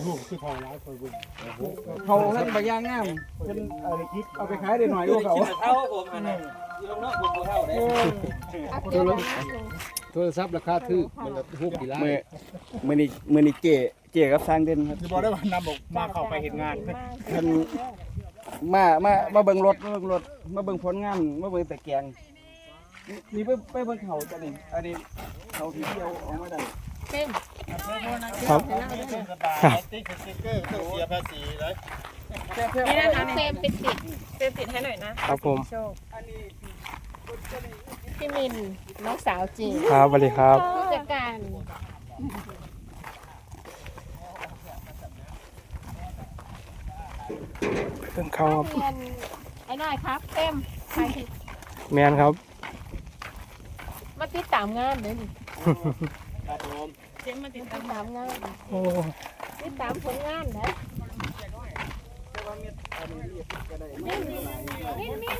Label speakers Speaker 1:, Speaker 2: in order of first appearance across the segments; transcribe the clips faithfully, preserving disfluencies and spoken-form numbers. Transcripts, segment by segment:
Speaker 1: หูคือเท่าร้ายคอยบุญ
Speaker 2: เขาท่านบางอย่างงามเพิ่นเอาไปคิดเอาไปขายได้หน่อยกว่าเขา
Speaker 3: เท่าผมอันนั้นอยู่นอกผมบ่เท่าเด้
Speaker 4: โทรศัพท์ราคาถูกมันละหกกี่ล้าน
Speaker 2: มื้อมื้อนี้มื้อนี้เจเจกับสร้างเด่นครับ
Speaker 1: จะบอกได้ว่านำบอกมาเข้าไปเห็นงาน
Speaker 2: เพิ่นมามามาเบิ่งรถมาเบิ่งรถมาเบิ่งผลงานมาเบิ่งแต่แกงนี่ไปไปเบิ่งเขาจ้ะนี่อันนี้เขาที่เที่ยวออกมาได้
Speaker 5: เต็ม
Speaker 4: ครับ
Speaker 1: สบายติ๊กสติ๊กเกอร์ต้องเสียภาษีเลย
Speaker 5: นี่นะคะเฟรมปิดติดเฟรมติดให้หน่อยนะครับ
Speaker 4: ผม
Speaker 5: โชคพี่มินน้องสาวจี
Speaker 4: ครับสวัสดีครับ
Speaker 5: ผู้จัดการ
Speaker 4: เพิ่งเข้าครับ
Speaker 5: เรียนไอ้น้อยครับเต็มใครผิด
Speaker 4: แมนครับ
Speaker 5: มาติดตามงานเลยนี่
Speaker 1: ครับผม
Speaker 5: เจ๊มาติดตามงาน
Speaker 4: โอ้
Speaker 5: ติดตามผลงานนะนี่นี่นี่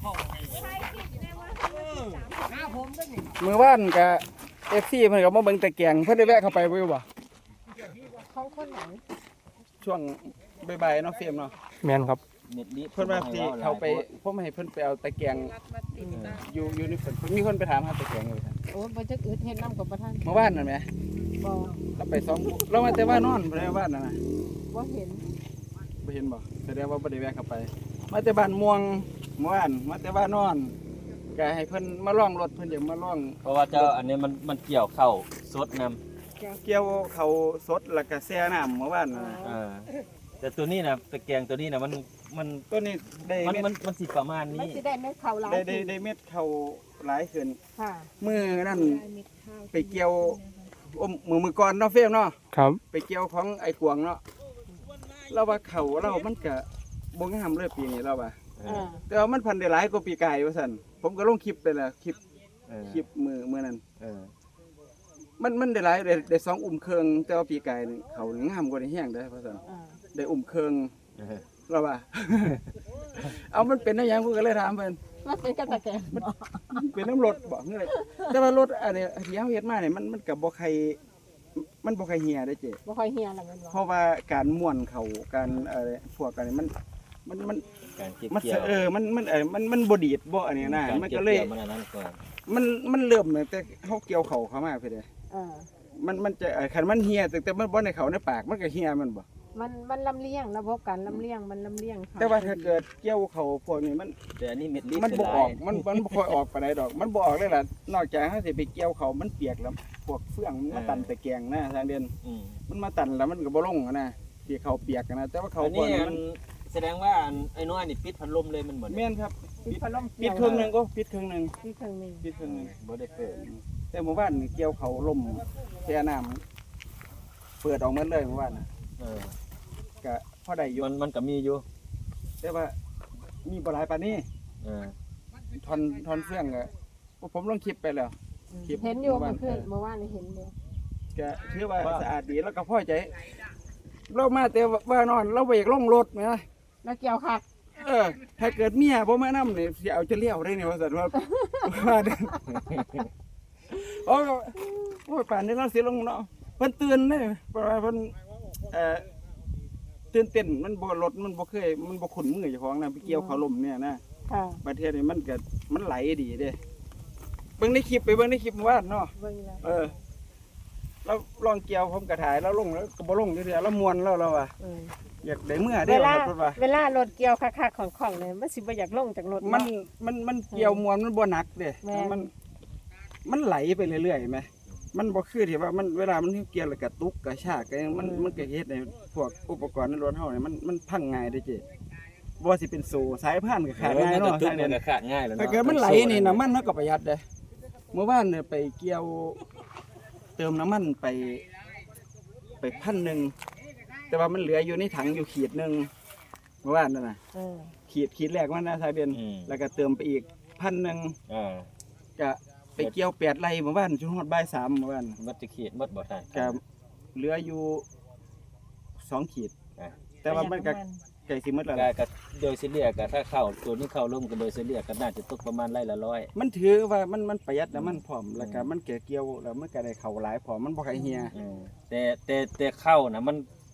Speaker 2: มื้อวานก็ เอฟ ซี เพิ่นก็มาเบิ่งแต่แกงเพิ่นได้แวะเข้าไปบ่อยู่บ่
Speaker 5: ของคนไหน
Speaker 2: ช่วงบ่ายๆเนาะเฟรมเนาะ
Speaker 4: แมนครับ
Speaker 3: เน็ตลิ
Speaker 2: เพิ่นว่าสิเข้าไปผมให้เพิ่นไปเอาตะแกรงอยู่อยู่ในฝนมีคนไปถามหาตะแกรงอยู่ครับ
Speaker 5: โอ้ยบ่จักอึดเฮ็ดน้ำกับประท่าน
Speaker 2: เมื่อวานนั่นแหม
Speaker 5: บ่
Speaker 2: เราไปสองเรามาแต่ว่านอนบ่ได้ว่านนั่นน่ะ
Speaker 5: บ่เห็น
Speaker 2: บ่เห็นบ่แสดงว่าบ่ได้แวะเข้าไป มาแต่บ้านม่วงเมื่อวานมาแต่ว่านอนก็ให้เพิ่นมาลองรถเพิ่นอยากมาลอง
Speaker 3: เพราะว่าเจ้าอันนี้มันมันเกี่ยวเข้าสดนำ
Speaker 2: เกี่ยวเขาสดแล้วก็แช่น้ำเมื่อวานน่ะ
Speaker 3: เออแต่ตัวนี้นะตะแกรงตัวนี้นะมันมัน
Speaker 2: ตัวนี้ได้
Speaker 3: มัน
Speaker 2: เม็ด
Speaker 3: มันมันสิประมาณ
Speaker 5: มัน
Speaker 3: นี้
Speaker 5: สิได้เม็ดข้าวหลาย
Speaker 2: ได้ได้ได้เม็ดเขาหลายขึ้น
Speaker 5: ค่ะ
Speaker 2: มื้อนั้นไปเกี่ยวอมมือมือก่อนเนาะเฟรมเนาะ
Speaker 4: ครับ
Speaker 2: ไปเกี่ยวของไอ้กวางเนาะเราว่าเขาเรามันก็บ่งามเลยปีนี้เราว่า
Speaker 3: เอ
Speaker 5: อ่า
Speaker 3: อ
Speaker 2: แต่ว่ามันพันได้หลายกว่าปีกายว่าซั่นผมก็ลงคลิปไปแล้วคลิป
Speaker 3: เออ
Speaker 2: คลิปมือมื้อนั้น
Speaker 3: เออ
Speaker 2: มันมันได้หลายได้ได้สองอุ้มเครื่องแต่ว่าปีกายนี่เขานี่งามกว่านี้แฮงเด้อว่าซั่น
Speaker 5: อ่า
Speaker 2: ได้อุ้มเครื่อง
Speaker 3: เออ
Speaker 2: เราว่า เอามันเป็นได้หยังผมก็เลยถามเพิ่น
Speaker 5: มันเป็นกระตะแกรง
Speaker 2: เป็นน้ำรถบ่เฮ้ยแต่ว่ารถอันนี้ที่เฮาเฮ็ดมาเนี่ยมันมันก็บ่ใครมันบ่ใครเหี่ยได้เจ้
Speaker 5: บ่ค่อยเฮียแล้วแม่นบ่
Speaker 2: เพราะว่าการม่วนเขาการอะไรพวกกันนี่มันมันมัน
Speaker 3: การเก็บ
Speaker 2: มัน
Speaker 3: เกี่ยว
Speaker 2: เออ มัน มันเออมัน มันบ่ดีดบ่อันนี้นะ
Speaker 3: การ
Speaker 2: มัน
Speaker 3: เก็บ
Speaker 2: ก็เลย
Speaker 3: เกี่ยวมันอันนั้นก่อน
Speaker 2: มัน มันเริ่มตั้งแต่เฮาเกี่ยวเขาเข้ามาเพิ่นเด้
Speaker 5: อ่า
Speaker 2: มัน มันจะเอ่อคันมันเหี่ยตั้งแต่มันบ่ในเขาในปาก มันก็เหี่ยมันบ่
Speaker 5: มันมันลำเลียงระบบการลำเลียงมันลำเลียงค่ะ
Speaker 2: แต่ว่าถ้าเกิดเกี่ยวเขาพวกนี้มัน
Speaker 3: แต่อันนี้เม็ดลิ
Speaker 2: มันบ่ออก
Speaker 3: เสียดาย
Speaker 2: มัน มันบ่ค่อยออกปานใดดอก มันบ่ออกเลยล่ะ นอกจากเฮาสิไปเกี่ยวเขามันเปียกแล้ว พวกเฟืองมันมาตันตะแกรงนะทางเดิน
Speaker 3: อืม
Speaker 2: มันมาตันแล้วมันก็บ่ลงอะนะที่เขาเปียกอะนะ แต่ว่าเขา
Speaker 3: อัน
Speaker 2: พว
Speaker 3: นี้
Speaker 2: กนี้
Speaker 3: อั
Speaker 2: มัน น
Speaker 3: แสดงว่าอันไอ้น้อยนี่ปิดพัดลมเลยมันเหมือน
Speaker 2: แม่นครับ
Speaker 5: ปิดพัดลม
Speaker 2: ปิดครึ่งหนึงก็ปิดครึ่งหนึง
Speaker 5: ปิดเครื่องหนึง
Speaker 2: ปิดครึ่งหนึง
Speaker 3: บ่ได้เปิด
Speaker 2: แต่หมู่บ้านนี่เกี่ยวเขาล่มแช่น้ำเปิดออกหมดเลยหมู่บ้านน่ะ
Speaker 3: เออ
Speaker 2: ก็พอได้อยู่
Speaker 3: มันมันก็มีอยู่
Speaker 2: แต่ว่ามีบ่หลายปานนี้
Speaker 3: เออ
Speaker 2: ทอนทอนเฟื่องก็ผมลงคลิปไปแล้ว คลิป
Speaker 5: เห็นอยู่
Speaker 2: เมื่อวาน
Speaker 5: เมื่อคืนเมื่อวานนี่เห็นอยู่
Speaker 2: ก็ถือว่าสะอาดดีแล้วก็พอใจ เรามาแต่ว่านอนเราไปลงรถนะ
Speaker 5: แล้วเกี่ยวคัก
Speaker 2: เออ ถ้าเกิดเมียบ่มานำนี่สิเอาจะเลี้ยวได้นี่ว่าซั่นว่าว่าเด้อโอ้ก็โอ้ยป่านนี้เราสิลงเนาะเพิ่นตื่นเด้เพราะว่าเพิ่นเอ่อตื่นเต้นมันบ่รถมันบ่เคยมันบ่คุ้นมือเจ้าของนะไปเกี่ยวเขาลมเนี่ยนะ
Speaker 5: ค่ะ
Speaker 2: ประเทศนี้มันก็มันไหลดีเด้เบิ่งในคลิปไปเบิ่งในคลิปเมื่อวานเนาะ
Speaker 5: เบิ่งแล้ว
Speaker 2: เออเราลองเกี่ยวผมก็ถ่ายแล้วลงแล้วก็บ่ลงเรื่อยๆแล้วม่วนแล้วเราอ่ะ
Speaker 5: เออ
Speaker 2: อยากได้เมื่อ
Speaker 5: เว
Speaker 2: เด้อ
Speaker 5: ลา
Speaker 2: เพิ่นว่า
Speaker 5: เวลารถเกี่ยวคักๆของๆเนี่ยมันสิบ่อยากลงจากรถ
Speaker 2: มัน
Speaker 5: เนาะ
Speaker 2: มันมันเกี่ยวม่วนมันบ่หนักเด้
Speaker 5: แม่น
Speaker 2: มันมันไหลไปเรื่อยๆแหมมันบ่คือที่ว่ามันเวลามันเกี่ยวแล้วก็ตุกกระชากก็ยังมันมันก็เฮ็ดให้พวกอุปกรณ์ในรถเฮาเนี่ยมันมันพังง่ายเด้เจ้บ่ว่าสิเป็นโซ่สายพานก็ขาดง่าย
Speaker 3: เนาะ
Speaker 2: เนาะ
Speaker 3: ทุก
Speaker 2: ทาง
Speaker 3: มั
Speaker 2: เนี้
Speaker 3: นก็ขาดง่ายแล้วเนาะ
Speaker 2: ถ้าเกิดมันไหลนี่น้ำมันมันก็ประหยัดเด้เมื่อวานเนี่ยไปเกี่ยวเติมน้ำมันไป ไปพันหนึ่งแต่ว่ามันเหลืออยู่ในถังอยู่ขีดหนึ่งเมื่อวานนั่นน่ะ
Speaker 5: เออ
Speaker 2: ขีดขีดแรกมันนะทายเบียน
Speaker 3: อืม
Speaker 2: แล้วก็เติมไปอีกพันหนึ่ง
Speaker 3: อ่า
Speaker 2: ก็ไปเกี่ยวแปดไร่เมื่อวานจนฮอดบ่ายสามเมื่อวาน
Speaker 3: มันจะขีดมัดบ่ทัน
Speaker 2: ก็เหลืออยู่สองขีด
Speaker 3: อ่า
Speaker 2: แต่ว่ามันก็ไก่สิหมดแล้ว
Speaker 3: ก็
Speaker 2: ล่ะ
Speaker 3: ก็โดยเฉลี่ยก็ถ้าเข้าตัวนี้เข้าร่มก็โดยเฉลี่ยก็น่าจะตกประมาณไร่ละร้อย
Speaker 2: มันถือว่ามันมันประหยัดแล้วมันพร้อมแล้วก็มันเกี่ยวเกี่ยวแล้วมันก็ได้เข้าหลายพร้อมมันบ่ใครเฮีย
Speaker 3: อืมแต่แต่แต่เข้านะมัน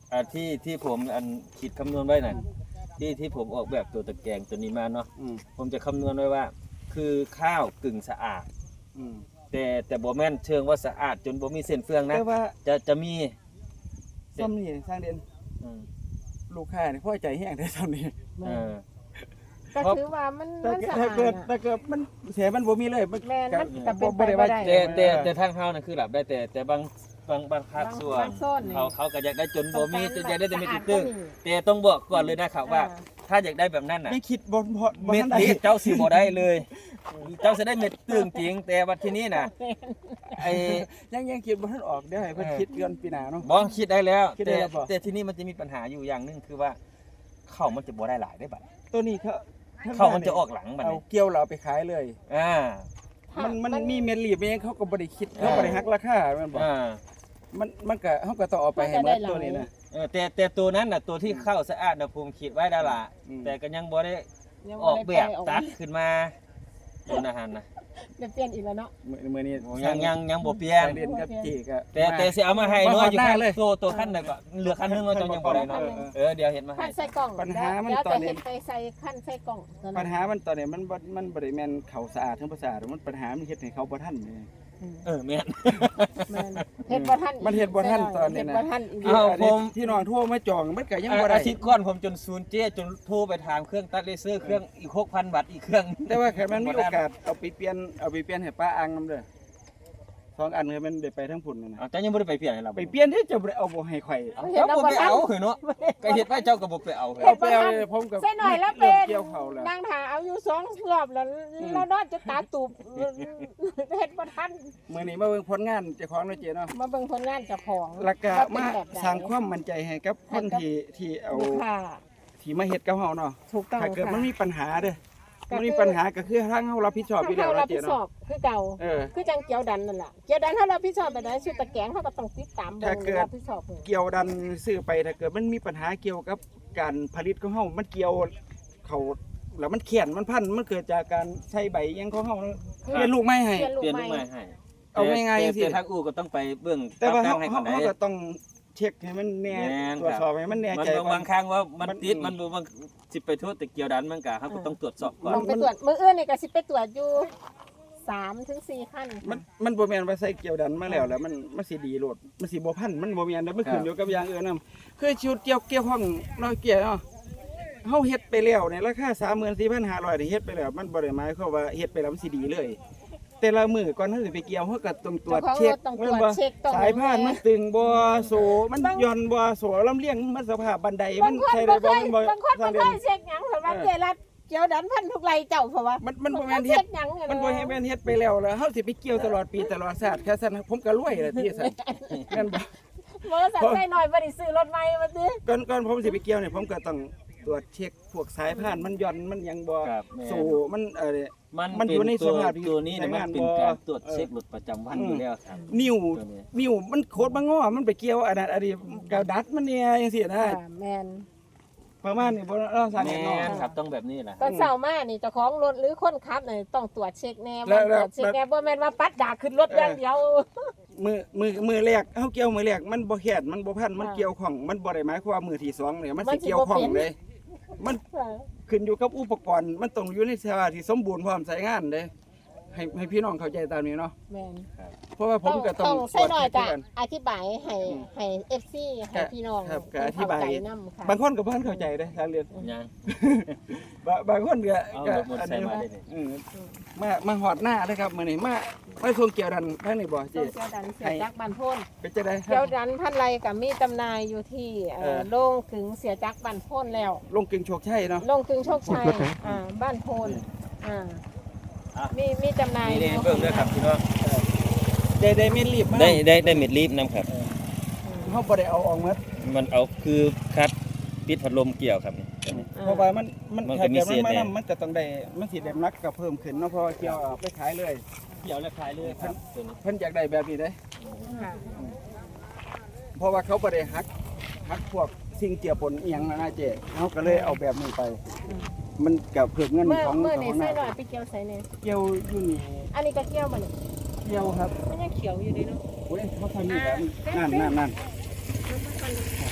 Speaker 3: อ่าที่ที่ผมอันคิดคำนวณไว้น่ะที่ที่ผมออกแบบตัวตะแกรงตัวนี้มาเนาะ
Speaker 2: อืม
Speaker 3: ผมจะคำนวณไว้ว่า คือข้าวกึ่งสะอาด
Speaker 2: อืม
Speaker 3: แต่แต่บ่แม่นเชิงว่าสะอาดจนบ่มีเส้นเฟืองนะ
Speaker 2: แต่ว่า
Speaker 3: จะจะมี
Speaker 2: ซ้ำนี่สร้างเด่น
Speaker 3: อืม
Speaker 2: ลูกค้านี่พอใจแห้งได้ซ้ำนี่
Speaker 3: เออ
Speaker 5: ก็ถือว่ามัน
Speaker 2: แต่
Speaker 5: มันสะ
Speaker 2: ถ้า
Speaker 5: อาด
Speaker 2: เกิด
Speaker 5: อะ
Speaker 2: ถ้าเกิดมันเสียมันบ่มีเลยมัน
Speaker 5: แม่นมันก็เป็น
Speaker 2: บ่
Speaker 5: ไป
Speaker 2: ได้
Speaker 5: บ่
Speaker 2: ว่า
Speaker 5: ได้
Speaker 3: แต่แต่แต่ทางเฮาน่ะคือหลับได้แต่แต่บางบางบางภาคส่วน
Speaker 5: บางโซนนี่
Speaker 3: เขาเขาก็อยากได้จนบ่มีจนอยากได้แต่เม็ด
Speaker 5: สะอาด
Speaker 3: ตึ้ง
Speaker 5: ก็มี
Speaker 3: แต่ต้องบอกก่อนเลยนะครับว่า
Speaker 5: อ่า
Speaker 3: ถ้าอยากได้แบบนั้นน่ะ
Speaker 2: ยังคิดบ่บ่บ่
Speaker 3: เม็ด
Speaker 2: ทันได้
Speaker 3: นี้เจ้าสิบ่ได้เลย เจ้าสิได้เม็ดตึ้งจริง แต่ว่าที่นี่น่ะไอ้
Speaker 2: ยังยังคิดบ่ทันออกเดี๋ยวให้เพิ่น
Speaker 3: เออ
Speaker 2: คิดเดือนปีหน้าเนาะ
Speaker 3: บ่คิดได้แล้ว
Speaker 2: คิดได้
Speaker 3: แต่
Speaker 2: แล้วบ่
Speaker 3: แต่ที่นี่มันจะมีปัญหาอยู่อย่างหนึงคือว่าข้าวมันจะบ่ได้หลายได้บัด
Speaker 2: ตัวนี้เขา
Speaker 3: ข้าวมันจะออกหลังบัด
Speaker 2: เอา
Speaker 3: นี้
Speaker 2: เกี่ยวเราไปขายเลย
Speaker 3: อ่า
Speaker 2: มันมันมีเม็ดลีบเองเขาก็บ่ได้คิด
Speaker 3: อ่า
Speaker 2: เขาบ่ได้หักราคาแม่นบ่
Speaker 3: อ่า
Speaker 2: มันมันก็เฮาก็ต้องเอาไปให้หมดตัวนี้นะ
Speaker 3: เออแต่แต่ตัวนั้นน่ะตัวที่ข้าวสะอาดน่ะผมคิดไว้แล้วล่ะ
Speaker 2: อืม
Speaker 3: แต่ก็ยังบ่ได้
Speaker 5: ยัง
Speaker 3: ออกแบบ
Speaker 5: ได้ไปออก
Speaker 3: ตัดขึ้นมาตัวอาหารนะ
Speaker 5: เดี๋ยวเปลี่ยนอีกแล้วเนาะ
Speaker 2: มื้อมื้อนี้
Speaker 3: ยังยังยังบ่เปลี่ยน
Speaker 2: ไปเรียนกับจีก็
Speaker 3: แต่แต่สิเอามาให้น้อยอยู่
Speaker 2: บ่ฮอดห
Speaker 3: คั
Speaker 2: น้าน เลย
Speaker 3: ตัวตัวขั้นน่ะก็เหลือขั้นหนึงเนาะจังยังบ่ได้เนาะ
Speaker 2: เออเออ
Speaker 3: เออเดี๋ยวเห็นมาให้
Speaker 5: ขั้นใส่กล่อง
Speaker 2: ปัญหามัน
Speaker 5: เดี๋ยว
Speaker 2: ตอน
Speaker 5: จะ
Speaker 2: นี้
Speaker 5: เห็นไปใส่ขั้นใส่กล่องตอนนั้น
Speaker 2: ปัญหามันตอนนี้มันบ่มันบ่ได้แม่นเขาสะอาดทั้งบ่สะอาดมันปัญหามันเฮ็ดให้เขาบ่ทันนี่
Speaker 3: เออแม่น
Speaker 5: แม่นเฮ็ดบ่ทันอีก
Speaker 2: มันเฮ็ดบ่ทันตอนนี้นะ
Speaker 5: เฮ็ดบ่ทันอีก
Speaker 3: เอ้า ผม
Speaker 2: ที่น้องโทรมาจองมันก็ยังบ่ได้
Speaker 3: อาทิตย์ก่อนผมจนศูนย์เจ๊จนโทรไปถามเครื่องตัดเลเซอร์เครื่องอีก หกพัน บาทอีกเครื่อง
Speaker 2: แต่ว่าแค่มันมีโอกาสเอาไปเปลี่ยนเอาไปเปลี่ยนให้ป้าอังนํเด้อสองอันคือมันได้ไปทั้งพุ่นนั่นน่ะ
Speaker 3: เอาเจ้ายังบ่ได้ไปเปลี่ยนให้เรา
Speaker 2: ไปเปลี่ยนที่จะบ่ได้เอาบ่ให้ข่อย
Speaker 3: เอาเจ้าบ่ไปเอาเหรอเนาะก็เฮ็ดไว้เจ้าก็บ่ไปเอาเหรอ
Speaker 2: เอาไปเอาเลยผมกับ
Speaker 5: ใส่หน่อยแล้ว
Speaker 2: เริ่
Speaker 5: เป็
Speaker 2: ม
Speaker 5: น
Speaker 2: เกี่ยวเขาแล้ว
Speaker 5: นางถาเอาอยู่สองรอบแล้วแล้วนอนจะตาตูบเฮ็ดบ่ทัน
Speaker 2: มื้อนี้มาเบิ่งผลงานเจ้าของเนาะเจ้เนาะ
Speaker 5: มาเบิ่งผลงานเจ้าของ
Speaker 2: แล้วก็
Speaker 5: ว่เป็น
Speaker 2: มา
Speaker 5: แบบใด
Speaker 2: สร้างความมั่นใจให้กับคนที่ที่เอา
Speaker 5: ลูกค้า
Speaker 2: ที่มาเฮ็ดกับเฮาเนาะ
Speaker 5: ถูกต้อง
Speaker 2: ถ้าเกิด
Speaker 5: ค่ะ
Speaker 2: มันมีปัญหาเด้อ
Speaker 5: ก็คือ
Speaker 2: มันมีปัญหาก็คือทางเฮารับผิดชอบอยู่แล้ว
Speaker 5: เฮารับ
Speaker 2: เนาะ
Speaker 5: ผิ
Speaker 2: เจ้
Speaker 5: ดชอ
Speaker 2: เนาะ
Speaker 5: บคือเก่า
Speaker 2: เออ
Speaker 5: คือจังเกียวดันนั่นล่ะเกียวดันเฮารับผิดชอบไปได้ชุดตะแกรงเฮาก็ต้องติดตามเบิ่
Speaker 2: ถ้าง เกิด
Speaker 5: รับผิดชอบเบิ่ง
Speaker 2: เกี่ยวดันซื้อไปถ้าเกิดมันมีปัญหาเกี่ยวกับการผลิตของเฮามันเกี่ยวเขาแล้วมันเขียนมันพันมันเกิดจากการใช้ใบอิหยังของเฮาเนาะเปลี่ยนลูกไม้ให้
Speaker 5: เปลี่ยนลูก
Speaker 3: เปลี่ยน
Speaker 5: ให
Speaker 3: ลู
Speaker 5: ม่
Speaker 3: กไม้ให้
Speaker 2: เอาง่ายๆ
Speaker 3: แต่
Speaker 2: จังซี่
Speaker 3: แต่ทางอู่ก็ต้องไปเบื้อง
Speaker 2: แต่ว่า
Speaker 3: ปรั
Speaker 2: เฮา
Speaker 3: บแต่งให้
Speaker 2: เฮา
Speaker 3: เขาได้
Speaker 2: เฮาก็ต้องเช็คให้มันแน่
Speaker 3: แม่น
Speaker 2: ตรวจสอบให้มันแน่
Speaker 3: มัน
Speaker 2: ใจ
Speaker 3: บาง
Speaker 2: ก่อน
Speaker 3: บางครั้งว่ามัน
Speaker 2: มัน
Speaker 3: ติด
Speaker 2: อืม
Speaker 3: มันบ่บางสิไปโทษแต่เกี่ยวดันมันก็เฮาก็ต้องตรวจสอบก่อน
Speaker 5: ต้องไปตรวจมื้ออื่นนี่ก็สิไปตรวจอยู่สามถึงสี่ขั้น
Speaker 2: มันมันบ่แม่นว่าใส่เกี่ยวดันมาแล้วแล้วมันมันสิดีโลดมันสิบ่พันมันบ่แม่นเด้อมันขึ้นอยู่กับอย่างอื่นนำคือชุดเกี่ยวเกี่ยวข้องเนาะเกี่ยวเนาะเฮาเฮ็ดไปแล้วในราคา สามหมื่นสี่พันห้าร้อย นี่เฮ็ดไปแล้วมันบ่ได้หมายความว่าเฮ็ดไปแล้วมันสิดีเลย แต่ละมื้อก่อนเฮาสิไปเกี่ยวเฮาก็ต้องตรวจ
Speaker 5: เจ้าของ
Speaker 2: เช็ค
Speaker 5: รถต้องตรวจ
Speaker 2: แม่นบ่
Speaker 5: เช็คต้อง
Speaker 2: สายพานมันตึงบ่โซมัน
Speaker 5: บาง
Speaker 2: หย่อนบ่โซลำเลียงมันสภาพบันไดมั
Speaker 5: บาน งคน
Speaker 2: ใช้
Speaker 5: บ่
Speaker 2: ได้
Speaker 5: เค
Speaker 2: บ่
Speaker 5: ย
Speaker 2: มันบ่
Speaker 5: บางคนบ่
Speaker 2: สร้าง
Speaker 5: เค
Speaker 2: เดือน
Speaker 5: ยเช็คหยังเพราะว่า
Speaker 2: เออ
Speaker 5: เจรัดเกี่ยวดันพันทุกไรเจ้าเพราะว่า
Speaker 2: มันมันบ่แม่น
Speaker 5: เช็
Speaker 2: เฮ็ด
Speaker 5: คหยังเย
Speaker 2: มันบ่เฮ็ดแม่นเฮ็ดไปแล้วแล้วเฮาสิไปเกี่ยวตลอดปีตลอดชาติแค่ซั่นผมก็รวยแล้วที่ซั่นแม่นบ่
Speaker 5: บริษัทใส่หน่อยบ่ได้ซื้อรถใหม่มาติ
Speaker 2: ก่อนก่อนผมสิไปเกี่ยวเนี่ยผมก็ต้องตรวจเช็คพวกสายพานมันหย่อนมันหยังบ่
Speaker 3: ครับแม่น
Speaker 2: สู่มันเอ่อ
Speaker 3: มัน
Speaker 2: มันอยู่ใน
Speaker 3: เป็ตัว
Speaker 2: สภาพที่
Speaker 3: ตัวนี้เนี่ยมัน
Speaker 2: ใช้งาน
Speaker 3: เป็น
Speaker 2: บ่
Speaker 3: การตรวจ
Speaker 2: เออ
Speaker 3: เช็ครถประจำวันอยู่แล้วครับ
Speaker 2: นิ้ว
Speaker 3: ตัวนี้
Speaker 2: นิ้วมันโคตรบ่งอมันไปเกี่ยวอันนั้นอันนี้กาวดัดมันเนี่ยจังซี่นะ
Speaker 5: อ่าแม่น
Speaker 2: ประมาณนี้บ่เราสร้าง
Speaker 3: แม่
Speaker 2: แน่นอน
Speaker 3: นครับต้องแบบนี้แหละ
Speaker 5: ตอนเช้ามานี่เจ้าของรถหรือคนขับนี่ต้องตรวจเช็คแน่
Speaker 2: แล้
Speaker 5: มัน
Speaker 2: ว
Speaker 5: ตรวจเช็คแน่บ่แม่นว่าปัดดากขึ้นรถอย่างเดียว
Speaker 2: มือมือมือแรกเฮาเกี่ยวมือแรกมันบ่แข็งมันบ่พันมัน
Speaker 5: อ่า
Speaker 2: เกี่ยวของมันบ่ได้หมายความว่ามือที่สองเนี่ยมัน
Speaker 5: มัน
Speaker 2: สิ
Speaker 5: สิ
Speaker 2: เกี่ยว
Speaker 5: บ่
Speaker 2: ของ
Speaker 5: เป็น
Speaker 2: เลย มันขึ้นอยู่กับอุปกรณ์มันต้องอยู่ในสภาพที่สมบูรณ์พร้อมใช้งานเด้ให้ให้พี่น้องเข้าใจตามนี้เนาะ
Speaker 5: แม่น
Speaker 2: เพราะว่าผมก็ต้อง
Speaker 5: ต้องใส่หน่อย
Speaker 2: ตร
Speaker 5: จะ
Speaker 2: วจเช็คกัน
Speaker 5: อธิบายให้ให้ เอฟ ซี ให้พี่น้อง
Speaker 2: ครับก็อธิบาย
Speaker 5: เข้ใจนำค่ะ
Speaker 2: บางคนก็บ่ทันเข้าใจเด้ทางเรียน
Speaker 3: ยัง
Speaker 2: บางบางคนก็
Speaker 3: เอา
Speaker 2: ก็
Speaker 3: หมด
Speaker 2: อัน
Speaker 3: ใส่
Speaker 2: นี้
Speaker 3: มาได้เลย
Speaker 2: เออมามาหอดหน้าเลยครับมื้อนี้มามาส่งเกี่ยวดันทางนี้บ่
Speaker 5: ต้
Speaker 2: เจิ
Speaker 5: องเกี่ยวดันเสียจักรบันพ่น
Speaker 2: เป็นจังได๋
Speaker 5: เกี่ยวดันพันไรกับมีจำหน่ายอยู่ที่เอ่
Speaker 2: เอ
Speaker 5: อ
Speaker 2: อ
Speaker 5: โลงถึงเสียจักรบันพ่นแล้ว
Speaker 2: ลงกึ่งโชคชัยเนาะ
Speaker 5: โลงถึงโชคชัยอ่าบ้านโพนอ่า
Speaker 3: อ่ะ
Speaker 5: มีมีจำหน่าย
Speaker 3: นี่นี่เบิ่งด้วยครับพี่น้อง
Speaker 2: ได้ได้เม็ดรีบมา
Speaker 3: ได้ได้ได้เม็ดรีบนํครับ
Speaker 2: เฮาบ่ได้เอาออกหมด
Speaker 3: มันเอาคือคัดปิดพัดลมเกี่ยวครับนี่ตัวนี้
Speaker 5: อ่
Speaker 2: เพราะว่ามันมัน
Speaker 3: มันก็
Speaker 2: ถ้า
Speaker 3: มี
Speaker 2: เกิด
Speaker 3: เศ
Speaker 2: มัน
Speaker 3: ษ
Speaker 2: มา
Speaker 3: แน่
Speaker 2: นำมันก็ต้องได้มันสิได้นักก็เพิ่มขึ้นเนาะเพราะว่าเกี่ยวเอาไปขายเลย
Speaker 3: เกี่ยวและคลายเลยครับตัวนี้
Speaker 2: เพิ่นอยากได้แบบนี้เด้
Speaker 5: ค่ะ
Speaker 2: เพราะว่าเขาบ่ได้หักหักพวกสิ่งเจือปนอีหยังนะนะเจ๊เฮาก็เลยเอาแบบนี้ไป มันก็เพิ่มเงิน
Speaker 5: เมื่อ
Speaker 2: ของ
Speaker 5: เมื่อ
Speaker 2: ข
Speaker 5: นี่
Speaker 2: อง
Speaker 5: ใส่
Speaker 2: นะ
Speaker 5: หน่อยไปเกี่ยวใส่เนี่ย
Speaker 2: เกี่ยวอยู่นี่
Speaker 5: อันนี้ก็เกี่ยวบ่นี่
Speaker 2: เกี่ยวครับ
Speaker 5: มันยังเขียวอยู่ดีเนาะ
Speaker 2: โอ้ยเขาทำนี่แบบนั่นนั่นนั่น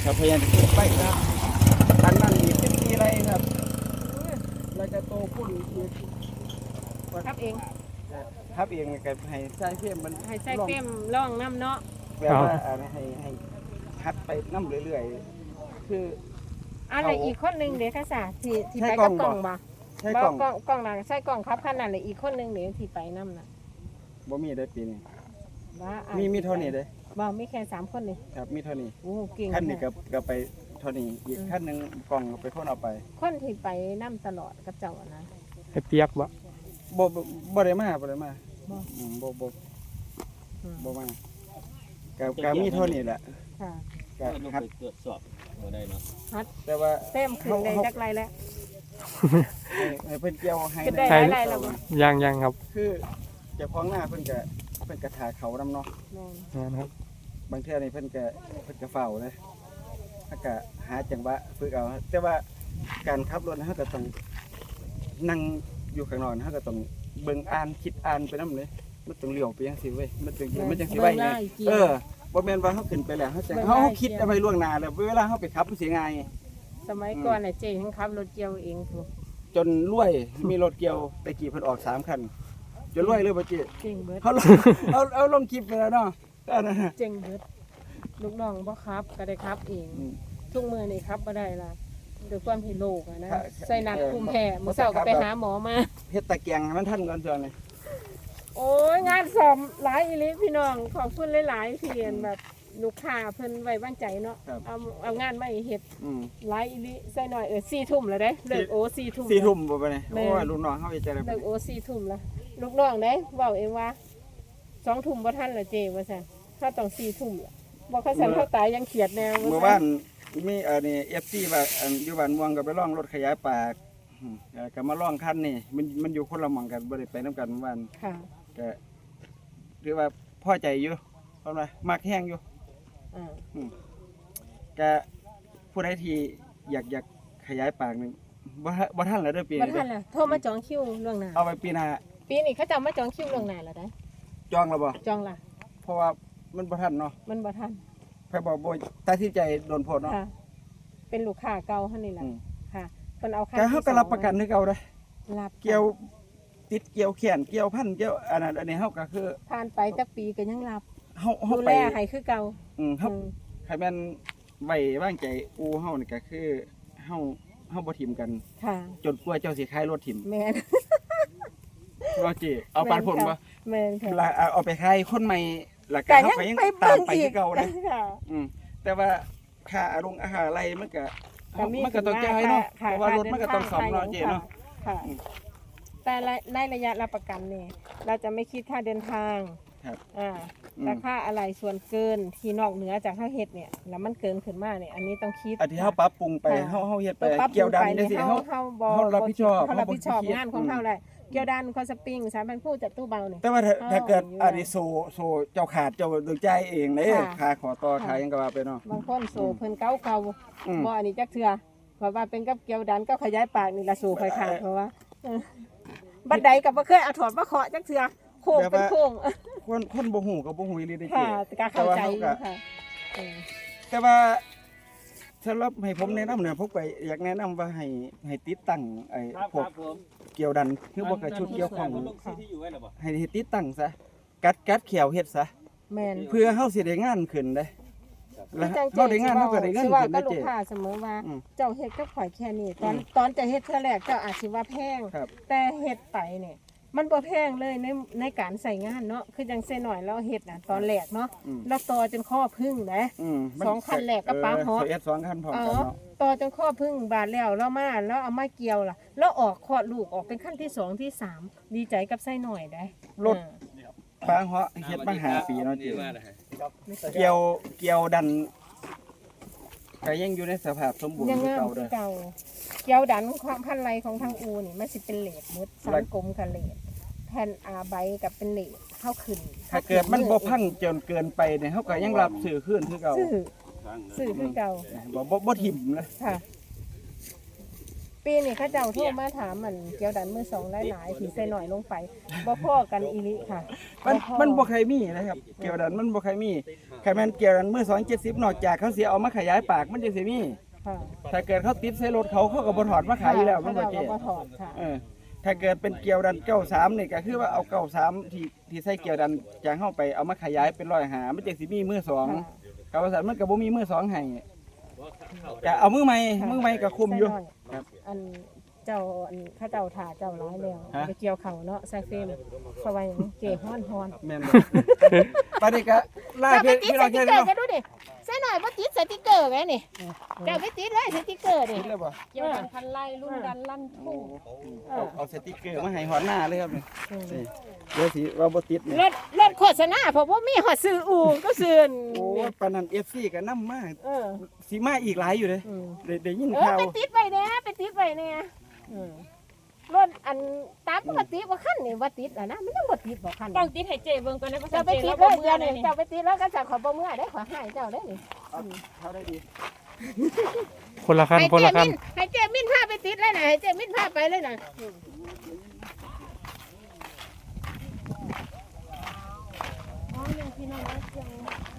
Speaker 2: ครับพยายามจะไปครับอันนั้นมีสิบสี่ไร่ครับเราจะโตขึ้นอีก
Speaker 5: ครับเอง
Speaker 2: ครับเองก็ให้ใช้เพียมมัน
Speaker 5: ให้ใส่เฟรมร่องน้ำเนาะ
Speaker 2: แบบว่าอ่าให้ให้หัดไปน้ำเรื่อยๆคือ
Speaker 5: อะไรอีกคนหนึงเดี๋ยวค่ะสาที่ที่
Speaker 2: ใช้
Speaker 5: ไป
Speaker 2: กล้
Speaker 5: กั
Speaker 2: อบ ง
Speaker 5: กล้อง
Speaker 2: บ่
Speaker 5: บ่
Speaker 2: ใช้
Speaker 5: บ่
Speaker 2: กล่อง
Speaker 5: กล้องกล้องหลังใส่กล้องครับขนาดเลยอีกคนหนึงเดี๋ยวที่ไปน้ำน่ะ
Speaker 2: บ่มีได้ปีนี้
Speaker 5: ว่าอ่ะ
Speaker 2: มีมีเท่านี้เด้
Speaker 5: บ่มีแค่สามคนนี่
Speaker 2: ครับมีเท่านี้
Speaker 5: โอ้เก่ง
Speaker 2: ขั้นนี้
Speaker 5: มาก
Speaker 2: ก็ก็ไปเท่านี้อีกขั้นหนึงกล่องไปคนเอาไป
Speaker 5: คนที่ไปน้ำตลอดกับเจ้าอะนะ
Speaker 4: ให้เปียกบ่
Speaker 2: บ่บ่บ่ได้มาบ่ได้มา
Speaker 5: บ่
Speaker 2: อืมบ่บ่
Speaker 5: อืม
Speaker 2: บ่มาก็ก็มีเท่านี้แหละ
Speaker 5: ค่ะ
Speaker 2: ก็
Speaker 3: ลง
Speaker 2: หัด
Speaker 3: ไปตรวจสอบบ่ได้เนาะ
Speaker 2: แต่ว่า
Speaker 5: เต็มขึ้นได้จักไรแล้ว
Speaker 2: ให้ให้เพิ่นเกี่ยวให้
Speaker 5: ขึ้นได้หลายๆแล้วบ่
Speaker 4: ยังยังครับ
Speaker 2: คือเจ้าของหน้าเพิ่นก็เพิ่นก็ถาเขานำเนาะ
Speaker 5: แม่น
Speaker 4: แม่นครับ
Speaker 2: บางเทื่อนี่เพิ่นก็เพิ่นก็เฝ้าเลยถ้าก็หาจังหวะฝึกเอาแต่ว่าการขับรถเฮาก็ต้องนั่งอยู่ข้างนอกเฮาก็ต้องเบิ่งอ่านคิดอ่านไปนำเลยมันต้องเลี้ยวไปจังซี่เว้ยมันต้องมันจังสิไว้เลยเออบ่แม่นว่าเฮาขึ้นไปแล้วเฮาจังเฮาคิดเอาไว้ล่วงหน้าแล้วเวลาเฮาไปขับมันสิง่าย
Speaker 5: สมัยก่อนน่ะเจ๊ทั้งขับรถเกี่ยวเองทุก
Speaker 2: จนรวยมีรถเกี่ยวตะกี้เพิ่นออกสามคันจนรวยเลยบ่จิ
Speaker 5: เจ๋งเบิด
Speaker 2: เขาลงเอาเอาลงคลิปไปแล้วเนาะอันนั้นน่ะ
Speaker 5: เจ๋งเบิดลูกน้องบ่ครับก็ได้ครับเอง
Speaker 2: อืม
Speaker 5: ทุกมื้อนี่ครับบ่ได้ล่ะด้วยความที่โลกอะนะ
Speaker 2: ค่ะ
Speaker 5: ใส่นัดภูมิแพ้มื้อเช้าก็ไปหาหมอมา
Speaker 2: เฮ็ดตะเกียงให้มันทันก่อนจังเลย
Speaker 5: โอ้ยงานสอบหลายอีหลีพี่น้องขอบคุณหลายๆที่เรียนแบบลูกค้าเพิ่นไว้วางใจเนาะเอาเอางานมาให้เฮ็ด
Speaker 2: อืม
Speaker 5: หลายอีหลีใส่หน่อยเออสี่ทุ่มแล้วเด้เลิกโอสี่ทุ่ม
Speaker 2: สี่ทุ่มบ่ไปนี่
Speaker 5: แม่
Speaker 2: โอ้ยลูกน้องเฮาอีกจังได๋
Speaker 5: เลิกโอสี่ทุ่มแล้วลูกน้องเด้เว้าเองว่าสองทุ่มบ่ทันละเจ้ว่าซั่นถ้าต้องสี่ทุ่มล่ะบ่เขาสั่นเขาตายยังเขียดแนว
Speaker 2: เมื่อวานมีเอ่อนี่ เอฟ ซี ว่าอันอยู่บ้านม่วงก็ไปลองรถขยายปากอืมเอ่อก็มาลองคันนี่มันมันอยู่คนละหม่องกันบ่ได้ไปนํกันเมื่อวาน
Speaker 5: ค่ะ
Speaker 2: ก็ถือว่าพอใจอยู่เพราะว่ามักแฮงอยู่
Speaker 5: อ่า
Speaker 2: ก็ผู้ใดที่อยากอยากขยายปากนึงบ่ทันบ่ทันแล้วเด้อปี
Speaker 5: บ่
Speaker 2: นี้
Speaker 5: ทั
Speaker 2: เด้
Speaker 5: น
Speaker 2: อ
Speaker 5: ล่ะโทรมาจองคิวล่วงหน้า
Speaker 2: เอาไปปีหน้า
Speaker 5: ปีนี้เขาจะเอามาจองคิวล่วงหน้าแล้วได้
Speaker 2: จองแล้วบ่
Speaker 5: จองล่ะ
Speaker 2: เพราะว่ามันบ่ทันเนาะ
Speaker 5: มันบ่ทัน
Speaker 2: ใครบอกบ่ตัดสินใจโดนโพดเนาะ
Speaker 5: ค่ะ เป็นลูกค้าเก่าหั่นนี่ล่ะ
Speaker 2: อืม
Speaker 5: ค่ะเพิ่นเอาค่า
Speaker 2: แต่เฮาก็รับประกันคือเก่าเด้อ
Speaker 5: รับ
Speaker 2: เกี่ยวติดเกี่ยวแขนเกี่ยวพันเกี่ยวอันนั้นอันนี้เฮาก็คือ
Speaker 5: ผ่านไปจักปีก็ยังรับ
Speaker 2: เฮาเฮา
Speaker 5: ดู
Speaker 2: ไป
Speaker 5: แลให้คือเก่า
Speaker 2: อืมเฮา
Speaker 5: อืม
Speaker 2: ใครแม่นไว้วางใจอูเฮานี่ก็คือเฮาเฮาบ่ทิมกัน
Speaker 5: ค่ะ
Speaker 2: จนกว่าเจ้าสิขายรถทิม
Speaker 5: แม่น
Speaker 2: ว่าจิเอาปานผลบ่
Speaker 5: แม่นค่ะ
Speaker 2: แล้วเอาเอาไปขายคนใหม่แล้วก็
Speaker 5: แต่
Speaker 2: เฮา
Speaker 5: ยัง
Speaker 2: ก็ยัง
Speaker 5: ไป
Speaker 2: ตาม
Speaker 5: เบิ่ง
Speaker 2: ไป
Speaker 5: อี
Speaker 2: คื
Speaker 5: ก
Speaker 2: อเก่าเด้อ
Speaker 5: ค่ะ
Speaker 2: อืมแต่ว่าค่าอารงอาหารอะไรมันก็
Speaker 5: ก็มี
Speaker 2: มันก็ต้องจ่ายเนาะเพ
Speaker 5: ค่
Speaker 2: ราะว่ารถมันก็ต้องซ่อมเนาะ
Speaker 5: ค่
Speaker 2: เจ๊เนาะ
Speaker 5: ค่ะ
Speaker 2: อืม
Speaker 5: แต่ในระยะรับประกันเนี่ยเราจะไม่คิดค่าเดินทาง
Speaker 2: ครับ
Speaker 5: อ่า
Speaker 2: อืม
Speaker 5: แต่ค่าอะไรส่วนเกินที่นอกเหนือจากเฮาเฮ็ดเนี่ยแล้วมันเกินขึ้นมาเนี่ยอันนี้ต้องคิด
Speaker 2: อันที่เฮาปรับปรุงไป
Speaker 5: ค่ะ
Speaker 2: เฮาเฮาเฮ็ดไป
Speaker 5: ตัวปรับปรุ
Speaker 2: เกี่ยว
Speaker 5: ง
Speaker 2: ดัน
Speaker 5: ไป
Speaker 2: จั
Speaker 5: เนี่
Speaker 2: ง
Speaker 5: ย
Speaker 2: ซี่
Speaker 5: เฮา
Speaker 2: เฮา
Speaker 5: เฮาบ่
Speaker 2: เฮารับผิดชอบ
Speaker 5: เฮารับผิดชอบ
Speaker 2: เฮาบ่ขี้เกียจ
Speaker 5: งานของเฮาได้เกี่ยวดันคอนสปริงสามพันคู่จับตู้เบานี่
Speaker 2: แต่ว่าถ้า
Speaker 5: เฮา
Speaker 2: ถ้าเกิด
Speaker 5: อยู่
Speaker 2: อันนี้โซโซเจ้าขาดเจ้าดึงใจายเองเด้
Speaker 5: ค่ะ
Speaker 2: ค่าขอต่อ
Speaker 5: ค่ะ
Speaker 2: ขายหยังก็ว่าไปเนาะ
Speaker 5: บางคนโซเพิ่นเก่าเก่า
Speaker 2: อืม
Speaker 5: บ่อันนี้จักเทื่อเพราะว่าเป็นกับเกี่ยวดันก็ขยายปากนี่ละโซค่อยขาดเพราะว่าเออบัดใดก็บ่เคยเอาถอดมาเคาะจักเทื่อโค้งเป็นโค้ง
Speaker 2: คนคนบ่ฮู้ก็บ่ฮู้อีหลีเด้อ
Speaker 5: ค่ะ
Speaker 2: เจ๊
Speaker 5: แต่ก็เข้าใจอยู่
Speaker 2: แต่ว่า
Speaker 5: ค่ะเออ
Speaker 2: แต่ว่าสำหรับให้ผมแนะนำเนี่ยผมก็อยากแนะนำว่าให้ให้ติดตั้งไอ้
Speaker 3: ครับ
Speaker 2: พว
Speaker 3: ค
Speaker 2: ก
Speaker 3: รับผม
Speaker 2: เกี่ยวดันคือบ่กับชุดเกี่ยวของ
Speaker 3: ลงซีที่อยู่ไว้แล้วบ่
Speaker 2: ให้ให้ติดตั้งซะกัดกัดเขียวเฮ็ดซะ
Speaker 5: แม่น
Speaker 2: เพื่อเฮาสิได้งานขึ้นเด้แล้ว
Speaker 5: จัง
Speaker 2: เฮาได้งานเฮาก็ได้เงิน
Speaker 5: สิว่า
Speaker 2: ขึ้น
Speaker 5: ก็
Speaker 2: เด้
Speaker 5: ลู
Speaker 2: เจ๊
Speaker 5: กค้าเสมอว่า
Speaker 2: อืม
Speaker 5: เจ้าเฮ็ดกับข่อยแค่นี้ตอน
Speaker 2: อืม
Speaker 5: ตอนจะเฮ็ดเทื่อแรกเจ้าอาจสิว่าแพง
Speaker 2: ครับ
Speaker 5: แต่เฮ็ดไปเนี่ยมันบ่แพงเลยในในการใส่งานเนาะคือจังซี่หน่อยเราเฮ็ดน่ะตอนแรกเนาะ
Speaker 2: อืม
Speaker 5: แล้วต่อจนข้อพึ่งนะ
Speaker 2: อืมมัน
Speaker 5: สองคันแรกก็ปาเหาะ
Speaker 2: เออเฮ็ดสองคันพร้อม
Speaker 5: อ๋อ
Speaker 2: กันเนาะ
Speaker 5: ต่อจนข้อพึ่งบาดแล้วแล้วมาแล้วเอามาเกี่ยวล่ะ แล้วออกคลอดลูกออกเป็นขั้นที่สองที่สามดีใจกับไส้หน่อยได้
Speaker 2: รถ
Speaker 5: อ่า
Speaker 2: ปางเหาะเฮ็ดมาห้าปีเนาะเจ๊
Speaker 3: มาเลยฮะ
Speaker 2: เกี่ยวเกี่ยวดันก็ยังอยู่ในสภาพสมบูรณ์
Speaker 5: ยัง
Speaker 2: คือ
Speaker 5: งาม
Speaker 2: เก่า
Speaker 5: คื
Speaker 2: เด้
Speaker 5: อ
Speaker 2: อ
Speaker 5: เก่าเกี่ยวดันความพันไรของทางอูนี่มันสิเป็นเหล็กมุดสามกลมกับเหล็กแผ่นอาใบกับเป็นเหล็กเข้าขึ้น
Speaker 2: ถ้าเกิดมันบ่พังจนเกินไปเนี่ยเฮาก็ยังรับซื้อคืนคือเก่า
Speaker 5: ซื้อซื้อคือเก่า
Speaker 2: บ่บ่บ่ถิ่มเลย
Speaker 5: ค่ะ เปีนี้เขาเจ้าโทรมาถามมันเกี่ยวดันมือสองหลายๆที่ใส่หน่อยลงไปบ่พอกันอีหลิค่ะ
Speaker 2: มันมันบ่เคยมีนะครับเกี่ยวดันมันบ่เคยมีใครแม่นเกี่ยวดันมือสองเจ็ดสิบนอกจากเขาเสียเอามาขยายปากมันจังสิมี
Speaker 5: ค่ะ
Speaker 2: ถ้าเกิดเขาติดใส่รถเขาเขาก็บ่ถอดมาขายอยู่แล้วมันบ่
Speaker 5: เขา
Speaker 2: เจ๊
Speaker 5: ก็บ่ถอดค่ะ
Speaker 2: เออถ้าเกิดเป็นเกี่ยวดันเก้าสามนี่ก็คือว่าเอาเก้าสามที่ที่ใส่เกี่ยวดันจากเข้าไปเอามาขยายเป็นร้อยหามันจังสิมีมือสองกับว่าซั่นมันก็บ่มีมือสองให้ก็เอามือใหม่มือใหม่ก็คุมอยู่
Speaker 5: ใส่หน่
Speaker 2: ครับ
Speaker 5: อันเจ้าอันเขาเจ้าถ่าเจ้าร้ายแล้ว
Speaker 2: ฮะ
Speaker 5: ไปเกี่ยวเขาเนาะใส่เฟรมเพราะว่าหยังเก๋ฮ้อนฮ้อน
Speaker 2: แม่นบ่ปานนี้ก็ล่า
Speaker 5: เจ้า
Speaker 2: พี่
Speaker 5: ไปติด
Speaker 2: พี่
Speaker 5: ส
Speaker 2: น้อง
Speaker 5: ติ
Speaker 2: แค่
Speaker 5: กเกอ
Speaker 2: นี้
Speaker 5: ร์
Speaker 2: เนาะ
Speaker 5: กันดูดิใส่หน่อยบ่ติดสติกเกอร์แม่นี่เจ้าไปติดเลยสติกเกอร์นี่
Speaker 2: ติดแล้วบ่
Speaker 5: เกี่ยวกับพันไล่รุ่นดันลั่นทุ่ง
Speaker 2: เอาเอาสติกเกอร์มาให้หอดหน้าเลยครับนี่นี่เดี๋ยวสิว่าบ่ติดนี่
Speaker 5: รถรถโฆษณาเพราะว่ามีหอดซื้ออู่ก็ซื้อ
Speaker 2: โอ้ยปานนั้น เอฟ ซี ก็นำมา
Speaker 5: เออ
Speaker 2: สิมาอีกหลายอยู่เด้
Speaker 5: อืม
Speaker 2: ได้ได้ยิน
Speaker 5: เออ
Speaker 2: ข่าว
Speaker 5: ไปติดไว้เนี่ยไปติดไว้เนี่ยอืมรถอันตามปกติว่าขั้นนี่ว่าติดอ่ะนะมันยังบ่ติดบ่ขั้น
Speaker 6: ต้องติดให้เจเบิ่งก่อนนะเพราะ
Speaker 5: เจ้าไป
Speaker 6: เจ
Speaker 5: ติด
Speaker 6: เรา
Speaker 5: เล
Speaker 6: บ่
Speaker 5: ย
Speaker 6: เมื่
Speaker 5: เดี๋
Speaker 6: อ
Speaker 5: ยว
Speaker 6: เลย
Speaker 5: นี้เจ้าไปติดแล้วก็จะขอบ่เมื่อได้ขอให้เจ้าได้นี่
Speaker 2: เอาเขาได้ดี
Speaker 4: คนละขั้น
Speaker 5: ให้
Speaker 4: คน
Speaker 5: เจ
Speaker 4: ละขั้
Speaker 5: มิ
Speaker 4: น
Speaker 5: นให้เจมินพาไปติดเลยนะให้เจมินพาไปเลยนะอ๋อยังพี่น้องนะยัง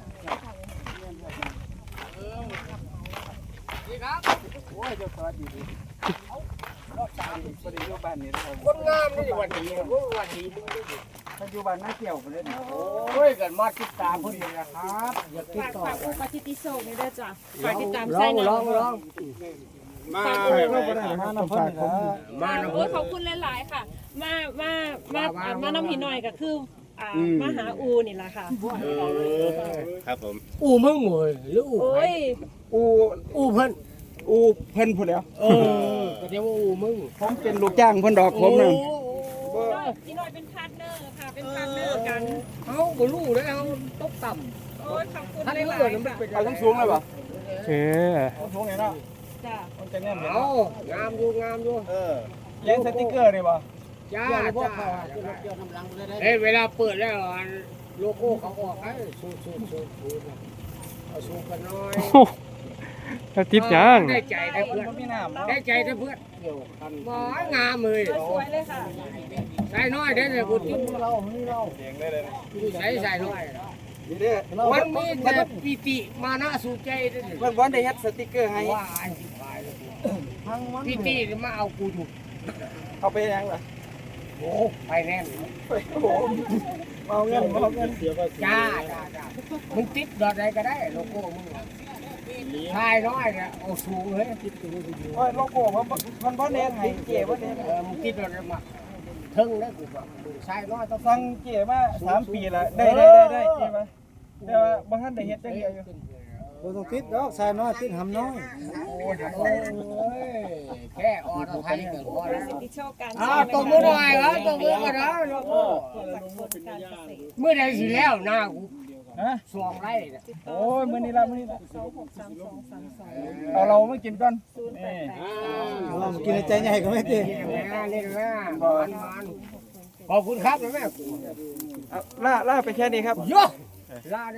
Speaker 2: โอ้ยเจ้าสวัสดีดีรอบสามนี่บ่ได้อยู่บ้านนี่นะครับ
Speaker 1: คนงามนี่วันนี้วันนี้
Speaker 2: ถ้าอยู่บ้านนาเกี่ยวพุ่นเด้นี่
Speaker 1: โอ้ยกันมาติดตามพอดีนะครับอย่าติด
Speaker 6: ฝาก
Speaker 1: ต่อ
Speaker 6: ฝากอุปติติโศกนี่เด้อจ้ะฝากติดตามใส่หน่อย
Speaker 1: มา
Speaker 2: เราบ่ได้มานำเพิ่นนี่ล่ะ
Speaker 1: มานะ
Speaker 6: โอ้ยขอบคุณหลายๆค่ะ มามามาอ่ามานำหินหน่อยก็คืออ่ามาหาอูนี่แหละค่ะ
Speaker 1: ครับผม
Speaker 7: อู่มึงหมวยหรืออู่
Speaker 6: โอ้ย
Speaker 2: อู
Speaker 7: อู่เพิ่น
Speaker 2: อูเพิ่นพุ่นแล้ว
Speaker 7: เออก็เรียกว่าอู่มึง
Speaker 2: ผมเป็นลูกจ้างเพิ่นดอกผมนั่น
Speaker 6: พี่หน่อยเป็นพาร์ทเนอร์ค่ะ เป็นพาร์ทเนอร์กัน
Speaker 7: เฮาบ่รู้เลยเฮาตกต่
Speaker 6: โอ้ยขอบคุณ
Speaker 7: ำท่าน
Speaker 6: ห
Speaker 7: เลื
Speaker 6: ลา
Speaker 7: อย ด
Speaker 6: ๆ
Speaker 7: มัน
Speaker 6: ค่ะ
Speaker 7: เป็น
Speaker 2: เอาทั้งสูงเลยบ่
Speaker 4: เออ
Speaker 2: สูงนี่เนาะ
Speaker 6: จ้ะ
Speaker 2: มันจะแน่น
Speaker 7: เอางามอยู่งามอยู่
Speaker 2: เออเลี้ยงสติกเกอร์นี่บ่
Speaker 7: จ้าจ้าเอ้ยเวลาเปิดแล้วอันโลโก้เขาออกให้สูดสูดสูดสูดเอาสูดกันหน่อย
Speaker 4: แล้วติดยัง
Speaker 7: ได้ใจได้เพื่อน
Speaker 2: มันมีน้ำเนาะ
Speaker 7: ได้ใจได้เพื่อนบ่งามเลย
Speaker 6: สวยเลยค่ะ
Speaker 7: ใส่น้อยได้เลยกูจิ้มเรา
Speaker 2: เลี้ยงได้เลยนะ
Speaker 7: ใส่ใส่น้อย
Speaker 2: นี่เด้อ
Speaker 7: มันมีแต่ปิติมานะสู่ใจเด้อ
Speaker 2: เพิ่นบ่ได้เฮ็ดสติกเกอร์ให้
Speaker 7: ว่าอันสิขายเลยปิติมาเอากูอยู่
Speaker 2: เอาไปยังล่ะ
Speaker 7: โอ้ไปแน่น
Speaker 2: โอ้โหเอาเงินเอาเงินเสียภาษี
Speaker 7: จ้าจ้าจ้ามึงติดดอทใดก็ได้โลโก้มึงชายน้อยเนี่ยเอาสูงเลยติดตัวสูง
Speaker 2: โอ้ยโลโก้มันบ่มันบ่เน้นให้เก๋บ่เน้น
Speaker 7: เออมึงติดดอทใดมาทึ่งได้กูบอกชายน้อยต้อง
Speaker 2: ฟังเก๋มาสามปีละได้ได้ได้ได้เก๋มาแต่ว่าบ่ทันได้เฮ็ดจังเดียวอยู่
Speaker 1: บ่ต้องติดดอกชายน้อยติดหำน้อย
Speaker 7: โอ้ยโอ้ยแค่ออโต้ไทยก็พอแล้ว
Speaker 6: ติดโชคการ
Speaker 7: อ้าวตบมือหน่อยครับตบมือกันนะโลโก้เมื่อใดสิแล้วหน้ากู
Speaker 2: ฮะ
Speaker 7: สองไร่เนี่ย
Speaker 2: โอ้ยมื้อนี้ละมื้อนี้ละ
Speaker 6: สองหกสามสองสามสอง
Speaker 2: เอาเรามากินก่อนนี่
Speaker 1: เรากินใจใหญ่ก็ไม่ติด
Speaker 7: เล่นนะเล่นนะมันมันขอบคุณครับนะแม่
Speaker 2: เอาล่าล่าไปแค่นี้ครับ
Speaker 7: โยลา